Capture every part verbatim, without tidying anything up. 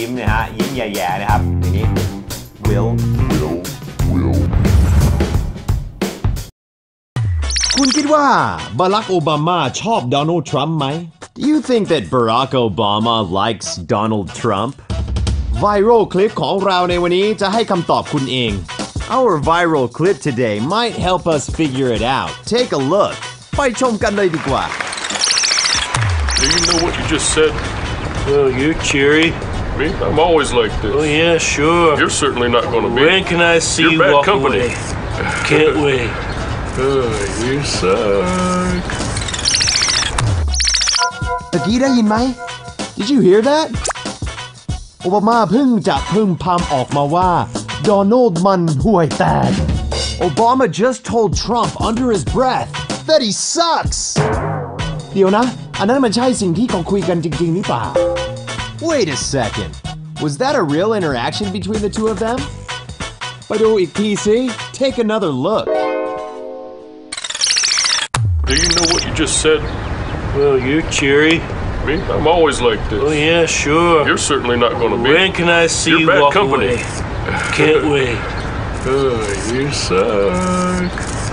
ยิ้มนะฮะยิ้มแย่ๆนะครับอย่างนี้ will will will คุณคิดว่าบารักโอบามาชอบโดนัลด์ทรัมป์ไหม Do you think that Barack Obama likes Donald Trump? Viral คลิปของเราในวันนี้จะให้คำตอบคุณเอง Our viral clip today might help us figure it out. Take a look. ไปชมกันเลยดีกว่า Do you know what you just said? Oh, you're cheery. Me? I'm always like this. Oh, yeah, sure. You're certainly not going to be. When can I see You're you bad walk company. away? Can't wait. Oh, you suck. ตะกี้ได้ยินไหม Did you hear that? โอบามาเพิ่งจะพึ่งพำออกมาว่าโดนัลด์มันห่วยแตก Obama just told Trump under his breath that he sucks เดี๋ยวนะ อันนั้นมันใช่สิ่งที่เขาคุยกันจริงๆหรือเปล่า Wait a second. Was that a real interaction between the two of them? ไปดูอีกทีสิ Take another look. Do you know what you just said? Well, you're cheery. Me? I'm always like this. Oh, yeah, sure. You're certainly not going to be. When can I see You're you bad walk company. away? Can't wait. Oh, you suck.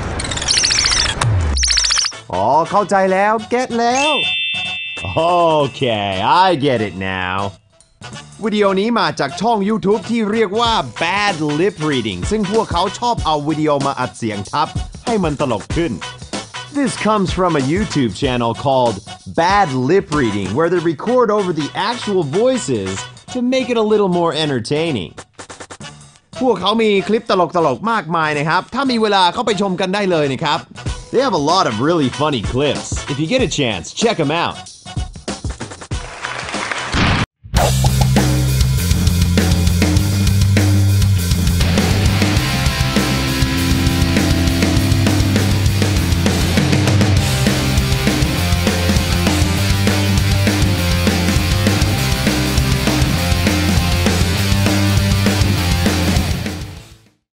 อ๋อเข้าใจแล้ว get แล้ว Okay I get it now วิดีโอนี้มาจากช่อง YouTube ที่เรียกว่า Bad Lip Reading ซึ่งพวกเขาชอบเอาวิดีโอมาอัดเสียงทับให้มันตลกขึ้น This comes from a YouTube channel called Bad Lip Reading where they record over the actual voices to make it a little more entertaining พวกเขามีคลิปตลกๆมากมายนะครับถ้ามีเวลาเข้าไปชมกันได้เลยนะครับThey have a lot of really funny clips. If you get a chance, check them out.